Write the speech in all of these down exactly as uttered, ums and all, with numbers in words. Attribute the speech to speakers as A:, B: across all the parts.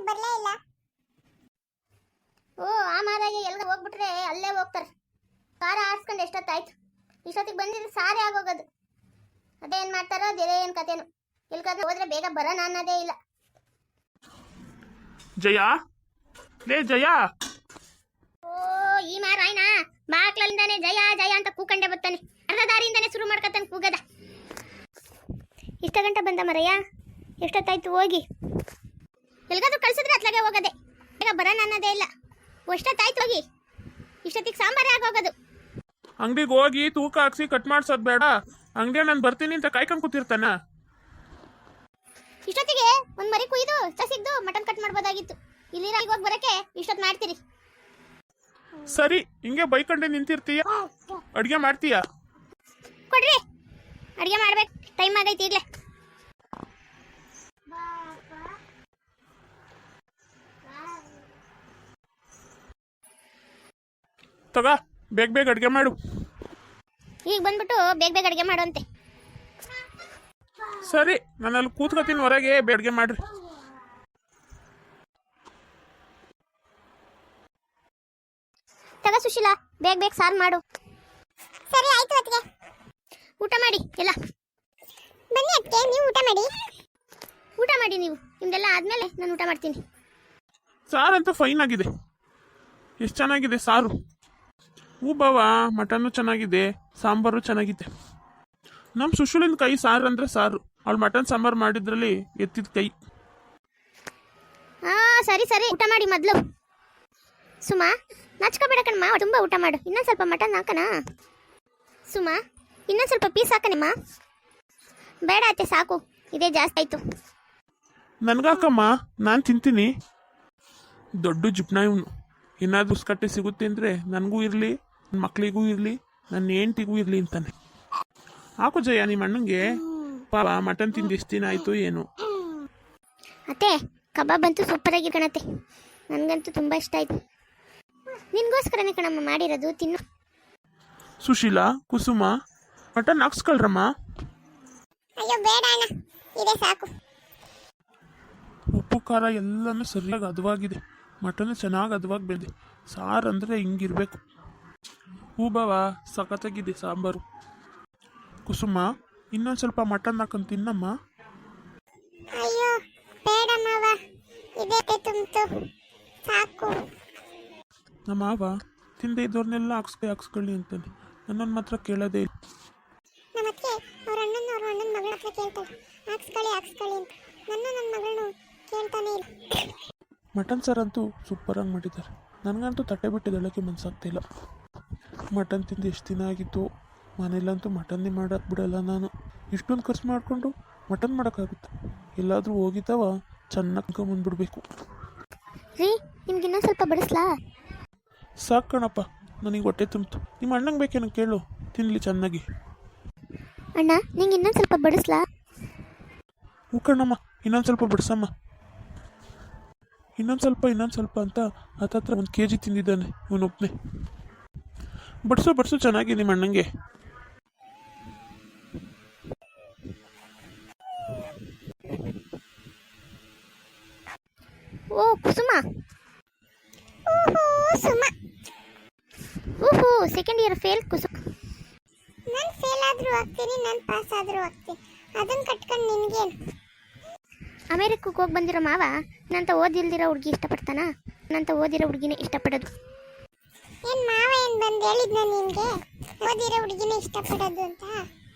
A: ಬರ್ಲೇ ಇಲ್ಲ.
B: ಓ ಆ ಮಾರಾಯ ಎಲ್ಗ ಹೋಗ್ಬಿಟ್ರೆ ಅಲ್ಲೇ ಹೋಗ್ತಾರೆ. ಕಾರ ಆಡ್ಸ್ಕೊಂಡು ಎಷ್ಟೊತ್ತಾಯ್ತು, ಇಷ್ಟೊತ್ತಿಗೆ ಬಂದಿದ್ರೆ ಸಾರಿ ಆಗೋಗೋದು. ಅದೇನ್ ಮಾಡ್ತಾರೋ ಅದೇನ್ ಕತೆನು. ಎಲ್ಗಾದ್ರೂ ಹೋದ್ರೆ ಬೇಗ ಬರೋಣ ಅನ್ನೋದೇ ಇಲ್ಲ.
C: ಜಯ, ಲೇ ಜಯ.
B: ಓ ಈ ಮಾರಾಯನ ಬಾಕ್ಲಿಂದಾನೆ ಜಯ ಜಯ ಅಂತ ಕೂಕಂಡೆ ಬರ್ತಾನೆ. ಅರ್ಧ ದಾರಿಯಿಂದಾನೆ ಶುರು ಮಾಡ್ಕೊತಾನೆ ಕೂಗದ. ಇಷ್ಟ ಗಂಟೆ ಬಂದ ಮರಯ್ಯ, ಎಷ್ಟೊತ್ತಾಯ್ತು ಹೋಗಿ. ಎಲ್ಗಾದ್ರೂ ಕಳ್ಸಿದ್ರೆ ಅತ್ಲಾಗೆ ಹೋಗದೆ, ಬೇಗ ಬರೋಣ ಅನ್ನೋದೇ ಇಲ್ಲ. ಎಷ್ಟೊತ್ತಾಯ್ತು ಹೋಗಿ, ಇಷ್ಟೊತ್ತಿಗೆ ಸಾಂಬಾರೇ ಆಗೋಗೋದು.
C: ಅಂಗಡಿಗೆ ಹೋಗಿ ತೂಕ ಹಾಕ್ಸಿ ಕಟ್ ಮಾಡ್ಸೋದ್ ಬೇಡ, ಅಂಗಡಿ ನಾನು ಬರ್ತೀನಿ ಅಂತ ಕಾಯ್ಕೊಂಡ್ ಕೂತಿರ್ತಾನ.
B: ಇಷ್ಟೊತ್ತಿಗೆ ಒಂದ್ ಮರಿ ಕುಯ್ದು ಸಿಗ್ದು ಮಟನ್ ಕಟ್ ಮಾಡ್ಬೋದಾಗಿತ್ತು. ಇಲ್ಲಿ ಹೋಗಿ ಬರಕ್ಕೆ ಇಷ್ಟೊತ್ತು ಮಾಡ್ತೀರಿ.
C: ಸರಿ, ಹಿಂಗೆ ಬೈಕೊಂಡೆ ನಿಂತಿರ್ತೀಯ, ಅಡ್ಗೆ ಮಾಡ್ತೀಯ?
B: ಕೊಡ್ರಿ, ಅಡ್ಗೆ ಮಾಡ್ಬೇಕು, ಟೈಮ್ ಆಗೈತಿ ಈಗ್ಲೇ.
C: ತಗ, ಬೇಗ ಬೇಗ ಅಡ್ಗೆ ಮಾಡು.
B: ಈಗ ಬಂದ್ಬಿಟ್ಟು ಬೇಗ ಬೇಗ ಅಡ್ಗೆ ಮಾಡುವಂತೆ.
C: ಸರಿ, ನಾನು ಅಲ್ಲಿ ಕೂತ್ಕೊತೀನಿ ಹೊರಗೆ, ಅಡ್ಗೆ ಮಾಡ್ರಿ.
B: ತಗ ಸುಶೀಲಾ, ಬೇಗ ಬೇಗ ಸಾರು ಮಾಡು.
A: ಸರಿ ಆಯ್ತು ಅತ್ತಿಗೆ.
B: ಊಟ ಮಾಡಿ ಎಲ್ಲ.
A: ಬನ್ನಿ ಅತ್ತಿಗೆ, ನೀವು ಊಟ ಮಾಡಿ.
B: ಊಟ ಮಾಡಿ ನೀವು, ನಿಮ್ದೆಲ್ಲ ಆದ್ಮೇಲೆ ನಾನು ಊಟ ಮಾಡ್ತೀನಿ.
C: ಸಾರಂತೂ ಫೈನ್ ಆಗಿದೆ. ಎಷ್ಟು ಚೆನ್ನಾಗಿದೆ ಸಾರು. ಹೂ ಬಾವ, ಮಟನ್ನು ಚೆನ್ನಾಗಿದೆ, ಸಾಂಬಾರು ಚೆನ್ನಾಗಿದೆ. ನಮ್ಮ ಸುಶೀಲಿನ ಕೈ ಸಾರು ಅಂದ್ರೆ ಸಾರು. ಅವಳು ಮಟನ್ ಸಾಂಬಾರು ಮಾಡಿದ್ರಲ್ಲಿ ಎತ್ತಿದ ಕೈ.
B: ಹಾ ಸರಿ ಸರಿ, ಊಟ ಮಾಡಿ ಮೊದಲು. ಸುಮಾ, ನಾಚ್ಕೋಬೇಡ ಕಣಮ್ಮ, ತುಂಬ ಊಟ ಮಾಡು. ಇನ್ನೊಂದು ಸ್ವಲ್ಪ ಮಟನ್ ಹಾಕಣ. ಸುಮಾ, ಇನ್ನೊಂದು ಸ್ವಲ್ಪ ಪೀಸ್ ಹಾಕಣಮ್ಮ. ಬೇಡ ಅತ್ತೆ, ಸಾಕು, ಇದೇ ಜಾಸ್ತಿ ಆಯ್ತು.
C: ನನ್ಗಾಕಮ್ಮ, ನಾನು ತಿಂತೀನಿ. ದೊಡ್ಡ ಜಿಪ್ನ ಇವನು. ಏನಾದ್ರು ಉಸ್ಕಟ್ಟೆ ಸಿಗುತ್ತೆ ಅಂದರೆ ನನಗೂ ಇರಲಿ, ನನ್ನ ಮಕ್ಳಿಗೂ ಇರಲಿ, ನನ್ನ ಹೆಂಡ್ತಿಗೂ ಇರಲಿ ಅಂತಾನೆ. ಹಾಕು ಜಯ, ನಿಮ್ಮ ಅಣ್ಣಂಗೆ ಪಾಪ ಮಟನ್ ತಿಂದು ಎಷ್ಟು ದಿನ ಆಯಿತು ಏನು.
B: ಅತ್ತೆ, ಕಬಾಬ್ ಅಂತೂ ಸೂಪರ್ ಆಗಿ ಕಣತ್ತೆ, ನನಗಂತೂ ತುಂಬ ಇಷ್ಟ ಆಯ್ತು. ನಿನ್ಗೋಸ್ಕರನೇ ಕಣಮ್ಮ ಮಾಡಿರೋದು, ತಿನ್ನು.
C: ಸುಶೀಲಾ, ಕುಸುಮ, ಮಟನ್ ಹಾಕ್ಸ್ಕೊಳ್ರಮ್ಮ.
A: ಅಯ್ಯೋ ಬೇಡ ಅಣ್ಣ, ಇದೇ ಸಾಕು.
C: ಉಪ್ಪು ಖಾರ ಎಲ್ಲನೂ ಸರಿಯಾಗಿ ಹದವಾಗಿದೆ. ಮಟನ್ ಚೆನ್ನಾಗಿ ಹದವಾಗಿ ಬೆಂದೆ. ಸಾರು ಅಂದರೆ ಹಿಂಗಿರ್ಬೇಕು. ಹೂ ಬಾವ, ಸಖತ್ತಾಗಿದೆ ಸಾಂಬಾರು. ಕುಸುಮ, ಇನ್ನೊಂದು ಸ್ವಲ್ಪ ಮಟನ್ ಹಾಕೊಂಡು ತಿನ್ನಮ್ಮ.
A: ಅಯ್ಯೋ ಬೇಡ ಮಾವ, ಇದೇ ತುಂಬಿತು ಸಾಕು.
C: ನಮ್ಮ ಮಾವ ತಿಂದೆ ಇದ್ದವ್ರನ್ನೆಲ್ಲ ಹಾಕ್ಸ್ಕೊ ಹಾಕ್ಸ್ಕೊಳ್ಳಿ ಅಂತಾನೆ, ನನ್ನನ್ನು ಮಾತ್ರ ಕೇಳೋದೇ ಇಲ್ಲ.
A: ನಮ್ಮ ಅತ್ತಿಗೆ ಅವ್ರ ಅಣ್ಣನ ಅವ್ರ ಅಣ್ಣನ ಮಗಳ ಹತ್ರ ಕೇಳ್ತಾಳೆ, ಹಾಕ್ಸ್ಕೊಳ್ಳಿ ಹಾಕ್ಸ್ಕೊಳ್ಳಿ ಅಂತ. ನನ್ನ ನನ್ನ ಮಗಳನ್ನ ಕೇಳ್ತಾನೆ ಇಲ್ಲ.
C: ಮಟನ್ ಸಾರಂತೂ ಸೂಪರಾಗಿ ಮಾಡಿದ್ದಾರೆ. ನನಗಂತೂ ತಟ್ಟೆ ಬಿಟ್ಟು ಎದ್ದೇಳೋಕ್ಕೆ ಮನಸ್ಸಾಗ್ತಿಲ್ಲ. ಮಟನ್ ತಿಂದು ಎಷ್ಟು ದಿನ ಆಗಿತ್ತು. ಮನೇಲಂತೂ ಮಟನ್ನೇ ಮಾಡೋಕ್ಕೆ ಬಿಡಲ್ಲ ನಾನು. ಇಷ್ಟೊಂದು ಖರ್ಚು ಮಾಡಿಕೊಂಡು ಮಟನ್ ಮಾಡೋಕ್ಕಾಗುತ್ತೆ? ಎಲ್ಲಾದರೂ ಹೋಗಿದ್ದಾವ ಚೆನ್ನಾಗಿ ಬಂದ್ಬಿಡ್ಬೇಕು.
B: ರೀ, ನಿಮ್ಗೆ ಇನ್ನೊಂದು ಸ್ವಲ್ಪ ಬಡಿಸ್ಲಾ?
C: ಸಾಕು ಕಣಪ್ಪ, ನನಗೆ ಹೊಟ್ಟೆ ತುಂಬಿತು. ನಿಮ್ಮ ಅಣ್ಣಂಗೆ ಬೇಕೇನೋ ಕೇಳು, ತಿನ್ನಲಿ ಚೆನ್ನಾಗಿ.
B: ಅಣ್ಣ, ನಿಂಗೆ ಇನ್ನೊಂದು ಸ್ವಲ್ಪ ಬಡಿಸ್ಲಾ?
C: ಹೂ ಕಣಮ್ಮ, ಇನ್ನೊಂದು ಸ್ವಲ್ಪ ಬಿಡ್ಸಮ್ಮ. ಇನ್ನೊಂದು ಸ್ವಲ್ಪ ಇನ್ನೊಂದು ಸ್ವಲ್ಪ ಅಂತ ಹತ್ತತ್ರ ಒಂದು ಕೆ ಜಿ ತಿಂದಿದ್ದಾನೆ ಇವನೊಬ್ಬನೇ. ಬಡ್ಸು ಬಡ್ಸು ಚೆನ್ನಾಗಿ ನಿಮ್ಮ ಅಣ್ಣಂಗೆ.
B: ಓ ಕುಸುಮ,
A: ಓಹೋ ಸುಮ,
B: ಓಹೋ ಸೆಕೆಂಡ್ ಇಯರ್ ಫೇಲ್ ಕುಸುಮ.
A: ನಾನು ಫೇಲ್ ಆದರೂ ಆಗ್ತೀನಿ, ನಾನು ಪಾಸ್ ಆದರೂ ಆಗ್ತೀನಿ. ಅದನ್ನು ಕಟ್ಕೊಂಡು ನಿನಗೇನು?
B: ಅಮೇರಿಕಕ್ಕೆ ಹೋಗಿ ಬಂದಿರೋ ಮಾವ ನಂತ ಓದಿಲ್ದಿರೋ ಹುಡುಗಿ ಇಷ್ಟಪಡ್ತಾನ? ನಂತ ಓದಿರೋ ಹುಡುಗಿನೇ ಇಷ್ಟಪಡೋದು.
A: ಏನು ಮಾವ ಏನು ಬಂದು ಹೇಳಿದ್ನ ನಿನಗೆ ಓದಿರೋ ಹುಡುಗಿನೇ ಇಷ್ಟಪಡೋದು ಅಂತ?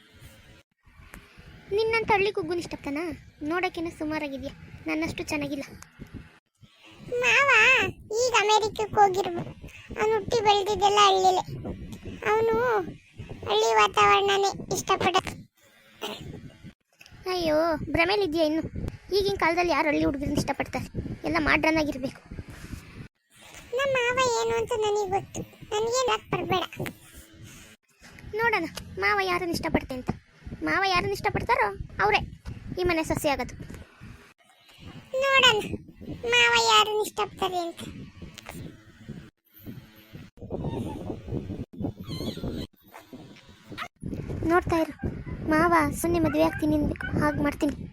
B: ನಿನ್ನಂತ ಹಳ್ಳಿ ಕುಗ್ಗುನ ಇಷ್ಟಪಡ್ತಾನ? ನೋಡೋಕ್ಕೇನೋ ಸುಮಾರಾಗಿದೆಯಾ, ನನ್ನಷ್ಟು ಚೆನ್ನಾಗಿಲ್ಲ.
A: ಮಾವ ಈಗ ಅಮೇರಿಕಕ್ಕೆ ಹೋಗಿರ್ಬೋದು. ಅವನು ಹುಟ್ಟಿ ಬೆಳೆದಿದ್ದೆಲ್ಲ ಹಳ್ಳಿಲೇ. ಅವನು ಹಳ್ಳಿ ವಾತಾವರಣನೇ ಇಷ್ಟಪಡೋದು.
B: ಅಯ್ಯೋ, ಭ್ರಮೇಲಿದೆಯಾ ಇನ್ನು? ಈಗಿನ ಕಾಲದಲ್ಲಿ ಯಾರು ಹಳ್ಳಿ ಹುಡುಗರನ್ನ ಇಷ್ಟಪಡ್ತಾರೆ? ಎಲ್ಲ ಮಾಡ್ರನ್ ಆಗಿರಬೇಕು.
A: ನಮ್ಮ ಮಾವ ಏನು ಅಂತ ನನಗೆ ಗೊತ್ತು, ನನಗೇನು ಯಾಕೆ ಬರಬೇಡ.
B: ನೋಡೋಣ ಮಾವ ಯಾರನ್ನು ಇಷ್ಟಪಡ್ತೆ ಅಂತ. ಮಾವ ಯಾರನ್ನು ಇಷ್ಟಪಡ್ತಾರೋ ಅವರೇ ಈ ಮನೆ ಸೊಸೆ ಆಗೋದು.
A: ನೋಡೋಣ ಮಾವ ಯಾರನ್ನು ಇಷ್ಟಪಡ್ತಾರೆ ಅಂತ.
B: ನೋಡ್ತಾ ಇರು, ಮಾವ ಸುಮ್ಮನೆ ಮದುವೆ ಆಗ್ತೀನಿ ಅನ್ಬೇಕು, ಹಾಗೆ ಮಾಡ್ತೀನಿ.